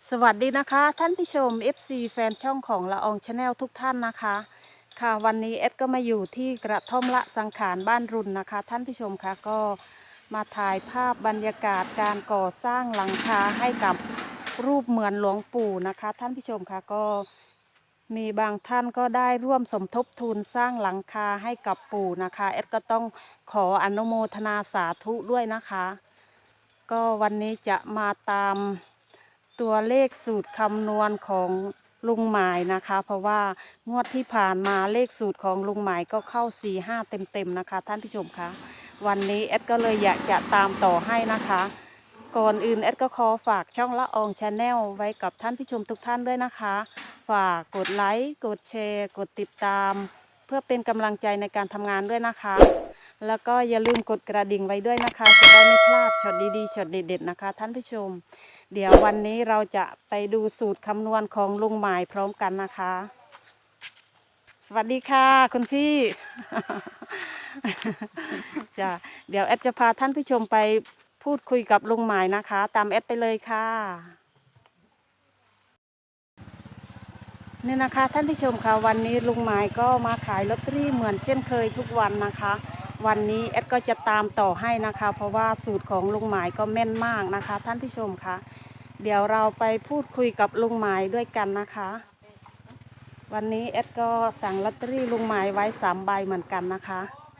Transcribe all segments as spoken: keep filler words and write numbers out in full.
สวัสดีนะคะท่านผู้ชม เอฟ ซี แฟนช่องของละอองชาแนลทุกท่านนะคะค่ะวันนี้เอดก็มาอยู่ที่กระท่อมละสังขารบ้านรุนนะคะท่านผู้ชมคะก็มาถ่ายภาพบรรยากาศการก่อสร้างหลังคาให้กับรูปเหมือนหลวงปู่นะคะท่านผู้ชมคะก็มีบางท่านก็ได้ร่วมสมทบทุนสร้างหลังคาให้กับปู่นะคะเอดก็ต้องขออนุโมทนาสาธุด้วยนะคะก็วันนี้จะมาตามตัวเลขสูตรคำนวณของลุงหมายนะคะเพราะว่างวดที่ผ่านมาเลขสูตรของลุงหมายก็เข้าสี่ห้าเต็มๆนะคะท่านผู้ชมคะวันนี้เอดก็เลยอยากจะตามต่อให้นะคะก่อนอื่นเอดก็ขอฝากช่องละอองชาแนลไว้กับท่านผู้ชมทุกท่านด้วยนะคะฝากกดไลค์กดแชร์กดติดตามเพื่อเป็นกำลังใจในการทำงานด้วยนะคะแล้วก็อย่าลืมกดกระดิ่งไว้ด้วยนะคะจะได้ไม่พลาดช็อตดีๆช็อตเด็ดๆนะคะท่านผู้ชมเดี๋ยววันนี้เราจะไปดูสูตรคำนวณของลุงหมายพร้อมกันนะคะสวัสดีค่ะคุณพี่ จ้ะเดี๋ยวแอดจะพาท่านผู้ชมไปพูดคุยกับลุงหมายนะคะตามแอดไปเลยค่ะนี่นะคะท่านผู้ชมค่ะวันนี้ลุงหมายก็มาขายลอตเตอรี่เหมือนเช่นเคยทุกวันนะคะวันนี้แอดก็จะตามต่อให้นะคะเพราะว่าสูตรของลุงหมายก็แม่นมากนะคะท่านผู้ชมค่ะเดี๋ยวเราไปพูดคุยกับลุงหมายด้วยกันนะคะวันนี้แอดก็สั่งลอตเตอรี่ลุงหมายไว้สามใบเหมือนกันนะคะ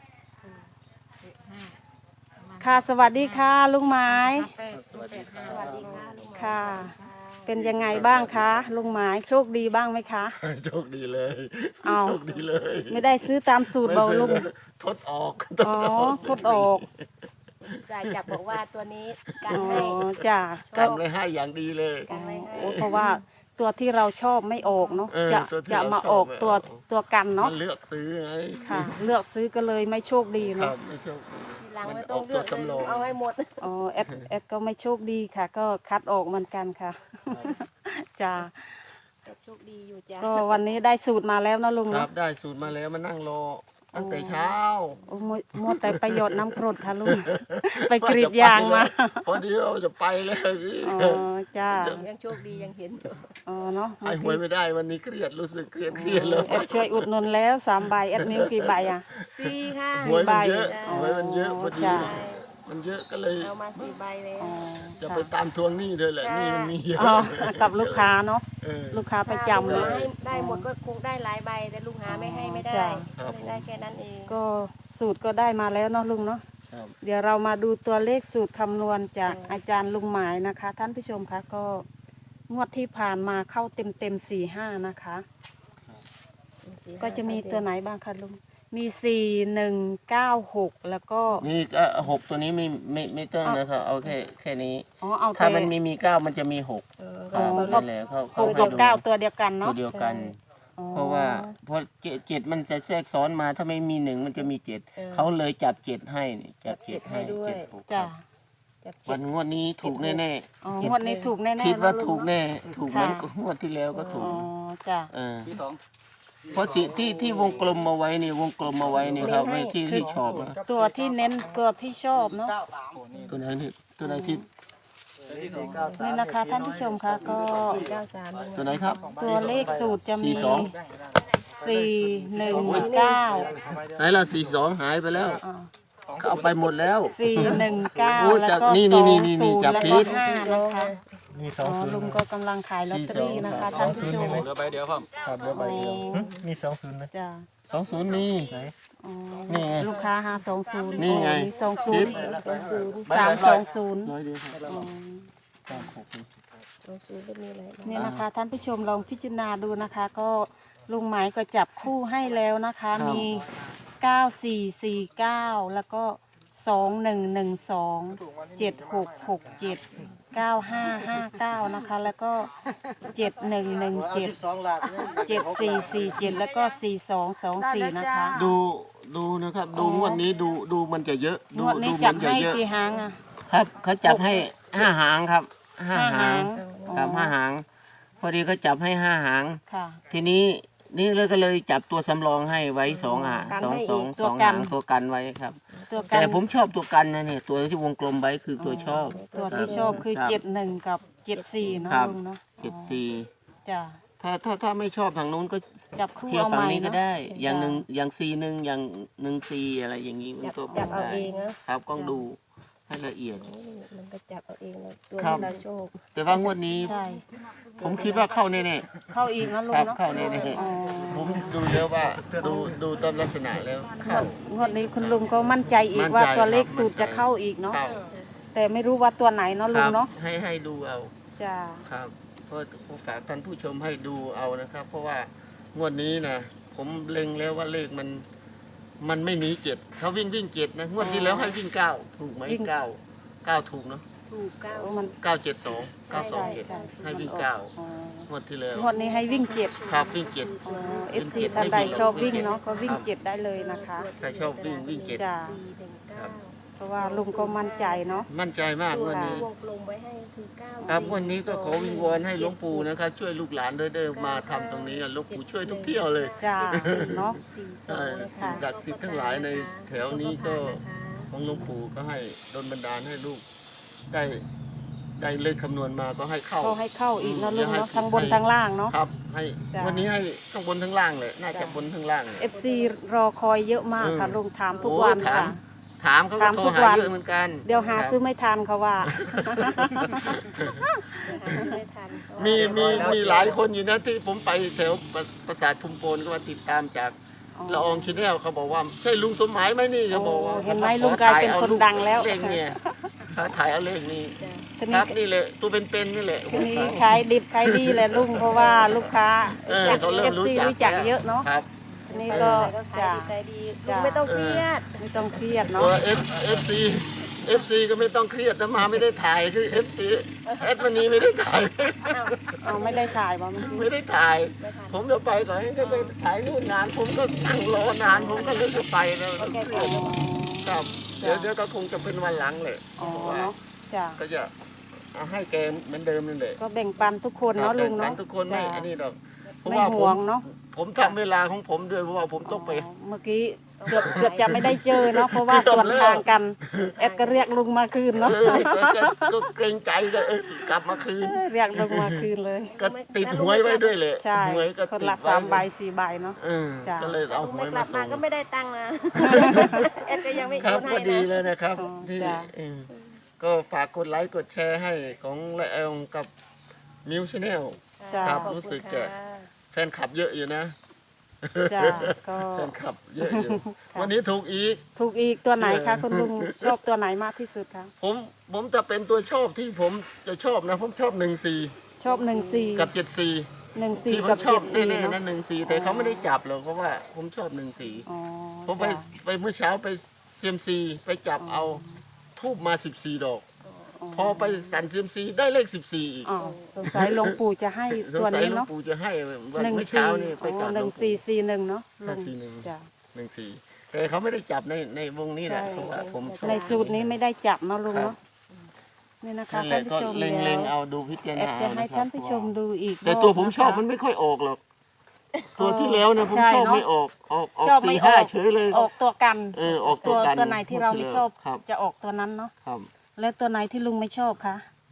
ค่ะสวัสดีค่ะลุงหมายสวัสดีค่ะลุงหมายค่ะเป็นยังไงบ้างคะลุงหมายโชคดีบ้างไหมคะโชคดีเลยเอาโชคดีเลยไม่ได้ซื้อตามสูตรเบาลุงทดออกอ๋อทดออกสายจับบอกว่าตัวนี้กัอ๋นอให้จ้ะกำเลยให้อย่างดีเลยกันไว้ให้โอ้เพราะว่าตัวที่เราชอบไม่ออกเนาะเออจะตัวที่จะเรามาชอบออกไม่ตัวออกตัวกันเนาะมันเลือกซื้อไงค่ะ เลือกซื้อก็เลยไม่โชคดีครัเนาะบไม่โชคดีทีหลังไม่ต้องเลือกเลยลุงเอาให้หมดอ๋อแอดแอดก็ไม่โชคดีค่ะ ก็คัดออกเหมือนกันค่ะจ้ะแต่โชคดีอยู่จ้ะก็วันนี้ได้สูตรมาแล้วนะลุงครัเนาะบได้สูตรมาแล้วมานั่งรอตั้งแต่เช้าโอ้มัวมัวแต่ประโยชน์น้ำกรดค่ะลุง ไปกรีดยางมาพอดีเราจะไปแล้วพี่อ๋อจ้ายังโชคดียังเห็นอยู่อ๋อเนาะไอ้หวยไม่ได้วันนี้เครียดรู้สึกเครียดเครียดเลยแอดช่วยอุดหนุนแล้วสามใบแอดมิวกี่ใบอ่ะสี่ค่ะหวยมันเยอะอ๋อหวยมันเยอะพอดีจ้ะมันเยอะก็เลยเอามาสี่ใบเลยอ๋อจะไปตามทวงหนี้ด้วยแหละหนี่มันมีเยอะอ๋อกับลูกค้าเนาะเออลูกค้าประจำถ้าเลลุงยให้ได้หมดก็คงได้หลายใบแต่ลุงหาไม่ให้ไม่ได้จ้ะครับเลยได้แค่นั้นเองก็สูตรก็ได้มาแล้วเนาะลุงเนาะครับเดี๋ยวเรามาดูตัวเลขสูตรคำนวณจากอาจารย์ลุงหมายนะคะ ท่านผู้ชมคะก็งวดที่ผ่านมาเข้าเต็มเต็มสี่ห้านะคะ ก็จะมีตัวไหนบ้างคะลุงมีสี่หนึ่งเก้าหกแล้วก็นี่ก็หกตัวนี้ไม่ไม่ไม่ต้องนะครับเอาแค่แค่นี้อ๋อเอาถ้าแต่มันมีมีเก้ามันจะมีหกเออครับอ๋อนั่นแหละเขาหเขากให้กับดูเก้าตัวเดียวกันตัเนาะวเดียวกันอ๋อเพราะว่าเพราะเจ็ดเจ็ดมันจะแทรกซ้อนมาถ้าไม่มีหนึ่งมันจะมีเจ็ดเขาเลยจับเจ็ดให้นี่จับเจ็ดให้เจ็ดหกจ้ะจับวัเจ็ดนงวดนี้ถูกแน่อ๋องวดนี้ถูกแน่ๆๆคิดว่าเนะลุงถูกแน่ถูกเหมือนค่ะงวดที่แล้วก็ถูอ๋กอจ้ะเออเพราะสิที่ที่วงกลมมาไว้นี่วงกลมมาไว้นี่ครับไม่ที่ที่ชอบนะตัวที่เน้นตัวที่ชอบเนาะตัวไหนที่ตัวไหนที่นี่นะคะท่านผู้ชมคะก็สี่เก้าสามตัวไหนครับตัวเลขสูตรจะมีสี่สองสี่หนึ่งเก้าไหนล่ะสี่สองหายไปแล้วอ่าเขาเอาไปหมดแล้วสี่หนึ่งเก้าโอ้แล้วจับก็นี่สนี่องนี่ศูนี่นย์จับแล้วผิก็ดห้านะคะมีสอ๋องอศูนลุงย์ก็กำลังขายลอตเตอรี่นะคะท่านผู้ชมเหลือใบเดียวครับครับเหลือใบเดียวหึมีสองศูนย์นะจ้ะสองศูนย์นี่ไหนอ๋อนี่ไงลูกค้าหาสองศูนย์นี่ไงมีสองศูนย์สองศูนย์สามสองศูนย์ร้อยเดียวครับอ๋อสามหกนี่สองศูนย์ก็มีอะไรบ้างนี่นะคะท่านผู้ชมลองพิจารณาดูนะคะ ก็ลุงหมายก็จับคู่ให้แล้วนะคะ มีเก้าสี่สี่เก้าแล้วก็สองหนึ่งหนึ่งสองเจ็ดหกหกเจ็ดเก้าห้าห้าเก้านะคะ แล้วก็เจ็ดหนึ่งหนึ่งเจ็ดเจ็ดสี่สี่เจ็ดแล้วก็สี่สองสองสี่นะคะดูดูนะครับ ดูงวดนี้ดูดูมันจะเยอะงดูวดนี้ดูจัมับนจะให้เยอะกี่หางอ่ะครับเขาจับให้ห้าหางครับห้าห้าหาหาง งครับห้าหาง พอดีเขาจับให้ห้าหางค่ะทีนี้นี่เลยก็เลยจับตัวสำรองให้ไว้สองหางสองสองสองหางตัวกันไว้ครับตัวกัแต่นผมชอบตัวกันนะเนี่ยตัวที่วงกลมไว้คือตัวชอบตัวที่ชอบคือรับเจ็ดหนึ่งกับเจ็ดสี่เนาะครับลุงเนาะเจ็ดสี่จ้ะถ้าถ้าถ้าไม่ชอบทางนู้นก็จับคู่เที่ยวเอาฝั่ใหงม่นี้ก็เนาะได้ อย่างหนึ่งอย่างซีหนึ่งอย่างหนึ่งซีอะไรอย่างนี้มันจับก็จับเอาได้เองนะครับกล้องดูให้ละเอียดโอ้ยมันก็จับเอาเองเลยตัวครับที่เราโชคแต่ว่างวดนี้ใช่ผมคิดว่าเข้าแน่เข้าอีกนะลุๆคงรับเนาะเข้าแน่อ๋อๆผมดูแล้วว่าดูดูตามลักษณะแล้วเข้างวดนี้คุณลุงก็มั่นใจอีมั่กนใจว่าตัวเลขครับสูตรมั่นใจจะเข้าอีกเนาะเข้าแต่ไม่รู้ว่าตัวไหนเนาะคลุรังบเนาะให้ให้ดูเอาจ้ะครับเพราะผมฝากท่านผู้ชมให้ดูเอานะครับ เพราะว่างวดนี้นะผมเล็งแล้วว่าเลขมัน มันไม่หนีเจ็ดเขาวิ่งวิ่งเจ็ดนะงวดที่แล้วให้วิ่งเก้าถูกไหมเก้าเก้าถูกเนาะถูกเก้าเออมันเก้าเจ็ดสองเก้าสองใช่เจ็ดใช่ให้วิ่งมันออกเก้าอ๋องวดที่แล้วงวดนี้ให้วิ่งเจ็ดครับวิ่งเจ็ดเอฟซีท่านใดชอบวิ่งเนาะก็วิ่งเจ็ดได้เลยนะคะใครชอบวิ่งวิ่งเจ็ดจ้ะสี่หนึ่งเก้าเพราะว่าลุงก็มั่นใจเนาะมั่นใจมากงวันนี้วงกลมไว้ให้คือเก้าครับงวันนี้ก็ขอวิงวอนให้หลวงปู่นะครับช่วยลูกหลานด้วยเด้อมาทำตรงนี้หลวงปู่ช่วยทุกเที่ยวเลยจ้าเนาะสี่สอใช่งนะคะสิ่งศักดิ์สิทธิ์ทั้งหลายในแถวนี้ก็ของหลวงปู่ก็ให้ดลบันดาลให้ลูกได้ได้เลขคำนวณมาก็ให้เข้าก็ให้เข้าอีกเนาะอืมลุงให้เนาะทั้งบนทั้งล่างเนาะครับ ให้จ้ะวันนี้ให้ข้างบนทั้งล่างเลยน่าจะจ้ะบนทั้งล่างเลยเอฟซีรอคอยเยอะมากค่ะเออลุงถามทุกโอ้วันถามค่ะถามเขาก็ถามโทรทุกหาวันเยอะเหมือนกันเดี๋ยวหาครับซื้อไม่ทันเขาว่าหาซื้อไม่ทันมีมีมีหลายคนอยู่นะที่ผมไปแถวปราปราสาทภูมิโปนก็มาติดตามจากละอองชาแนลเขาบอกว่าใช่ลุงสมหมายไหมนี่เขาบอกว่าโอ้เห็นไหมขอลุงกลายเป็นถ่อคนดังแล้วเลขเนี่ยเขาถ่ายเอาเลขนี้จ้ะทีคนี้รับนี่แหละตัวเป็นๆนี่แหละทีนี้ขายดิบขายดีแหละลุงเพราะว่าลูกค้าเออเอฟเขาเริ่มรู้ซีจักรู้จักแล้วเยอะเนาะครับทีนี้ก็ก็ขายจ้าดีขายดีจ้ะลุงไม่ต้องเครียดไม่ต้องเครียดตัเนาะวเอฟเอฟซีเอฟซีก็ไม่ต้องเครียดนะมาไม่ได้ถ่ายคือเอฟซีแอดวันนี้ไม่ได้ถ่ายอ้าวเอาไม่ได้ถ่ายบ่เมื่อกี้ไม่ได้ถ่ายไม่ทันผมจะไปก่อนให้เขาไปถ่ายนู่นนานผมก็นั่งรอนานผมก็เลยจะไปแล้วโอเคอ๋อครับ เดี๋ยวเดี๋ยวก็คงจะเป็นวันหลังเลยอ๋อเพราะว่าเนาะจ้าก็จะเอาให้แกเหมือนเดิมนั่นแหละก็แบ่งปันทุกคนเนาะลุงแบ่เนาะปัทุกคนไม่จ้ะอันนี้หรอกเพราะไม่ว่าผห่วมงเนาะผมทำเวลาของผมด้วยเพราะว่าผมต้องไปอ๋อเมื่อกี้เกือบเกือบจะไม่ได้เจอเนาะเพราะว่าส่วนทางกันแอดก็เรียกลุงมาคืนเอเนาะอก็ก็เกรงใจก็เออกลับมาคืนเรียกลุงมาคืนเลยก็ติดหวยไว้ด้วยเลยใช่หวยก็คนติดละไว้สามใบสี่ใบเนาะเออจ้ะก็เลยเอาหวไม่ยกมาลับส่มาง ก็ไม่ได้ตังค์นะแอดก็ยังไม่ครัโอบ นก็ให้ดีนะเลยนะครับอ๋อที่จ้ะเออก็ฝากกดไลค์กดแชร์ให้ของละเอลกับมิวชแนลจ้ะครับขอรู้ณสึกจะค่แฟนคลับเยอะอยู่นะจ้าก็แฟนคลับเยอะอยู่ วันนี้ถูกอีกถูกอีกตัวไหนเอคะอคุณลุงชอบตัวไหนมากที่สุดคะผมผมจะเป็นตัวชอบที่ผมจะชอบนะ ผมชอบหนึ่งสี่ชอบหนึ่งสี่กับเจ็ดสี่หนึ่งสี่ที่ผกัมบชอเจ็บดสี่แน่ๆเนาะนะหนึ่งสี่แต่เขาไม่ได้จับหรอกเพราะว่าผมชอบหนึ่งสี่อ๋อผมไปจ้ะไปเมื่อเช้าไปเซียมซีไปจับเอาทูบมาสิบสี่ดอก พอไปสั่นเซียมซีได้เลขสิบสี่อีกอ๋อสงสัยหลวงปู่จะให้สงตัวสัยนี้หลวงเนาะปู่จะให้วันหนึ่งเมื่อสี่เช้านี่ไปอ๋กราอบหหลนึ่วงงสี่ปู่สี่หนึ่งเนาะลุห้าง สี่หนึ่งจ้ะหนึ่งสี่แต่เขาไม่ได้จับในในวงนี้แหละใช่เพราะว่าผมชอบในสูตรนี้ไม่ได้จับเนาะลุงเนาะนี่นะคะนั่นแหท่าละนผู้ชมก็เล็งเดี๋เล็ยวงเอาดูพิจารแอดณาจะให้ะครับท่านผู้ชมดูอีกแต่ตัวผมชอบรบมันนะคะไม่ค่อยออกหรอก ตัวที่แล้วนะผมใช่ชอบเนอะไม่ออกออกออกชอบไม่สี่ห้าออกเฉยเลยออกตัวกันเออออกตัตัว วกันตัวไหนที่เราไม่ชอบครับจะออกตัวนั้นเนาะครับแล้วตัวไหนที่ลุงไม่ชอบคะ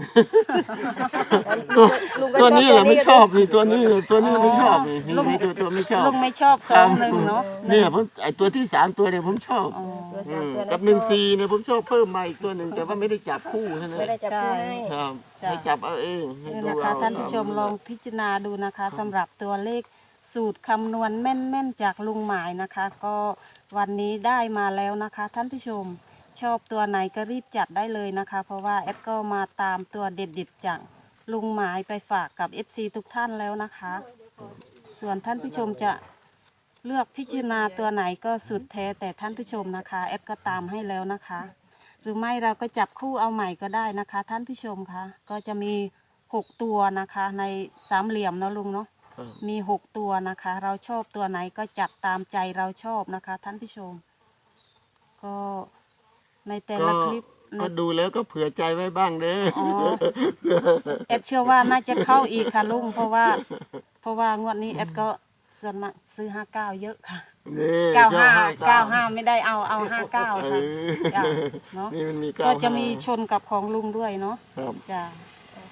ตัวลุงก็ตัวนี้แหละไม่ชอบนี่ตัวนี้ก็ตัวนี้ไม่ชอบนี่ลุงนี่ตัวตัวไม่ชอบลุงไม่ชอบสองหนึ่งเนาะเนี่ยผมไอตัวที่สามตัวเนี่ยผมชอบอ๋อตัวอืสามมตัวกับหนึ่งสี่เนี่ยผมชอบเพิ่มมาอีกตัวหนึ่งแต่ว่าไม่ได้จับคู่ใช่ไหมไม่ได้จับคู่ให้ครับจ้ะให้จับเอาเองให้นี่ดูนะคะเอาท่านผู้ชมลองพิจารณาดูนะคะสำหรับตัวเลขสูตรคำนวณแม่นๆจากลุงหมายนะคะ ก็วันนี้ได้มาแล้วนะคะ ท่านผู้ชมชอบตัวไหนก็รีบจัดได้เลยนะคะ เพราะว่าแอดก็มาตามตัวเด็ดๆจากลุงหมายไปฝากกับ เอฟ ซี ทุกท่านแล้วนะคะ ส่วนท่านผู้ชมจะเลือกพิจารณาตัวไหนก็สุดแท้แต่ท่านผู้ชมนะคะแอดก็ตามให้แล้วนะคะ หรือไม่เราก็จับคู่เอาใหม่ก็ได้นะคะ ท่านผู้ชมคะก็จะมีหกตัวนะคะในสามเหลี่ยมเนาะลุงเนาะครับมีหกตัวนะคะ เราชอบตัวไหนก็จัดตามใจเราชอบนะคะ ท่านผู้ชม ก็ในแต่ก็ละคลิปในก็ดูแล้วก็เผื่อใจไว้บ้างเด้ออ๋อ แอดเชื่อว่าน่าจะเข้าอีกค่ะลุงเพราะว่า เพราะว่างวดนี้แอดก็ส่วนมากซื้อห้าเก้าเยอะค่ะนี่เก้าห้าชอบเก้าห้าไม่ได้เอาเอาห้าเก้าเอค่ะอจ้ะเนาะนี่มันมีเก้าก็จะมีห้าชนกับของลุงด้วยเนาะครับจ้ะแ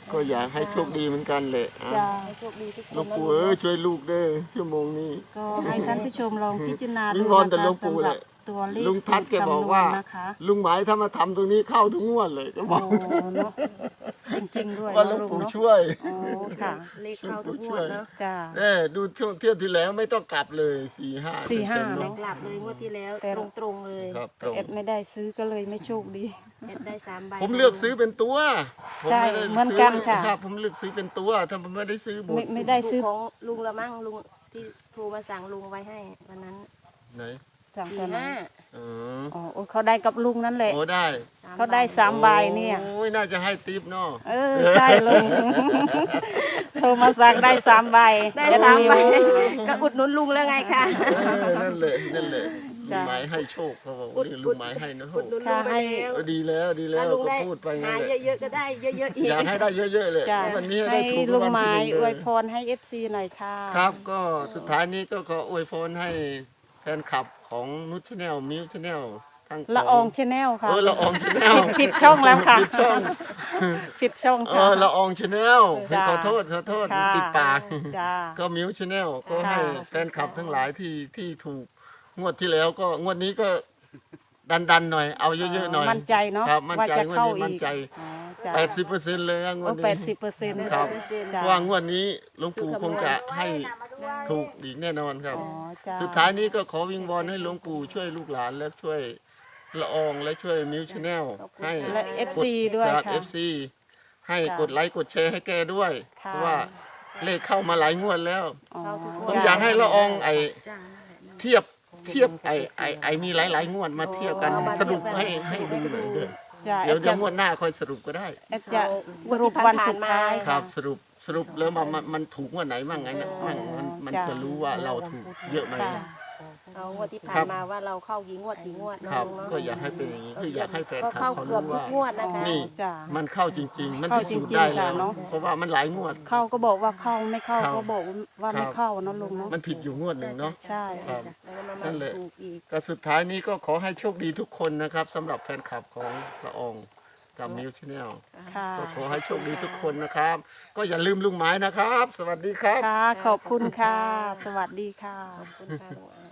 ก็อยากให้โชคดีเหมือนกันแหละอ่ะจ้าให้โชคดีทุกคหลวน งนะปู่ลูเอ้ยกช่วยลูกเด้อชั่วโมงนี้ก็ให้ท่านผู้ชมลองพิจารณาวิดูงวอนแต่นะหลวคะงปู่สำหแหรับละตัวเลขลุงทัศน์แกบอกว่าสูตรคำนณนะคะลุงหมายถ้ามาทำตรงนี้เข้าทุกงวดเลยก็บโอ้อกเนาะจริงๆด้วยว่าหลวงเนาะปู่เนาะช่วยโอ้ค่ะเลขเข้าทุกงวดเนาะจ้าเอ้ดูช่วงเที่ยวที่แล้วไม่ต้องกลับเลยสี่ห้าสี่ห้าเต็มๆไม่เนาะกลับเลยงวดที่แล้วแต่ตรงๆเลยครับตรงเอ็ดไม่ได้ซื้อก็เลยไม่โชคดีเอ็ดได้สามใบผมเลือกซื้อเป็นตัวผมใช่ไม่ได้เหมือนกันค่ะรับผมเลือกซื้อเป็นตัวถ้าผมไม่ได้ซื้อบุไม่ญไม่ได้ซื้อของลุงละมั่งลุงที่โทรมาสั่งลุงไว้ให้วันนั้นไหนสั่งสี่ตัวนั้นห้าอ๋ออ๋อโอ้เขาได้กับลุงนั่นแหละโอ้ได้เขาได้สามใบเนี่ยโอ้ยน่าจะให้ติปเนาะเออใช่ลุง โทรมาสั่งได้สามใบได้แอสามใบมิวก็อุดหนุนลุงแล้วไงคะเออนั่นเลยนั่นเลยลุจ้ะงหมายให้โชคเขาบอกอุว่าดลุงหมายให้นะโหอุดหนุนลุงไปแล้วเออดีแล้วดีแล้วถ้าลุงก็ได้พูดไปหางั้นแหละเยอะๆก็ได้เยอะๆอีกอยากให้ได้เยอะๆเลยจ้ะวันนี้ให้ให้ได้ถูกลุงรางไม้วัลที่หนึ่งอเลวยยพรให้เอฟซีหน่อยค่ะครับก็สุดท้ายนี้ก็ขออวยพรให้แฟนคลับของนุชแนลมิวชแนลทั้งละอองชาแนลค่ะเออละอองชแนลผิดผิดช่องแล้วค่ะผิดช่องผิดช่องเอค่ะอละอองชแนลจ้ะขอโทษขอโทษค่ะติดปากจ้าก็มิวชแนลก็ค่ะให้แฟนคลับทั้งหลายที่ที่ถูกงวดที่แล้วก็งวดนี้ก็ดันดันๆหน่อยเอาเยอะๆหน่อยมั่นใจเนาะครับมั่นว่าใจจะเข้างวดนี้มั่อีนกใจอ๋อจ้ะแปดสิบเปอร์เซ็นต์เลยนะงวโอ้ดนี้แปดสิบเปอร์เซ็นต์ครับจ้ะว่างวดนี้หลวงปู่คงจะให้ถูกอีกแน่นอนครับอ๋อจ้าสุดท้ายนี้ก็ขอวิงวอนให้หลวงปู่ช่วยลูกหลานและช่วยละอองและช่วยมิวชแนลให้และเอฟซีด้วยครับค่ะเอฟซีให้จ้ะกดไลค์กดแชร์ให้แกด้วยค่ะเพราะว่าเลขเข้ามาหลายงวดแล้วอ๋อผมอยากให้ละอองไอจ้าเทียบเทียบไอไอไอมีหลายๆงวดมาเทียบกันอ๋อมาสรุปเทียบกันให้ให้ดูหน่อยเด้อจ้าเดี๋ยวแอเดี๋ยวดงวดหน้าค่อยสรุปก็ได้แอดจะสรุปวันสุดท้ายครับสรุปสรุปแล้วมันมันมันถูกงวดไหนมั่งไงนะมั่งมันมันจ้ะจะรู้ว่าเราถูกเยอะไหมค่ะเอางวดที่ผ่าครันบมาว่าเราเข้ากี่งวดกี่งวดครับเนาะก็อยากให้เป็นอย่างนี้คืออยากให้แฟนก็คลับเข้าเขาเกือบรู้ทุกว่างวดนะคะนี่จ้ามันเข้าจริง ๆ มันเข้าพิสูจน์จริงๆได้แล้วค่ะเนอะเพราะว่ามันหลายงวดเข้าก็บอกว่าเข้าไม่เข้าครับก็บอกว่าไม่ครับเข้าเนาะลุงเนาะมันผิดอยู่งวดหนึ่งเนาะใช่ครับแล้วก็มานั่นแหละถูกอีกแต่สุดท้ายนี้ก็ขอให้โชคดีทุกคนนะครับสำหรับแฟนคลับของละอองกับมิวชแนลค่ะก็ขอให้โชคดีทุกคนนะครับ ก็อย่าลืมลุงไม้นะครับ สวัสดีครับค่ะ ขอบคุณค่ะ สวัสดีค่ะขอบคุณค่ะลุงอา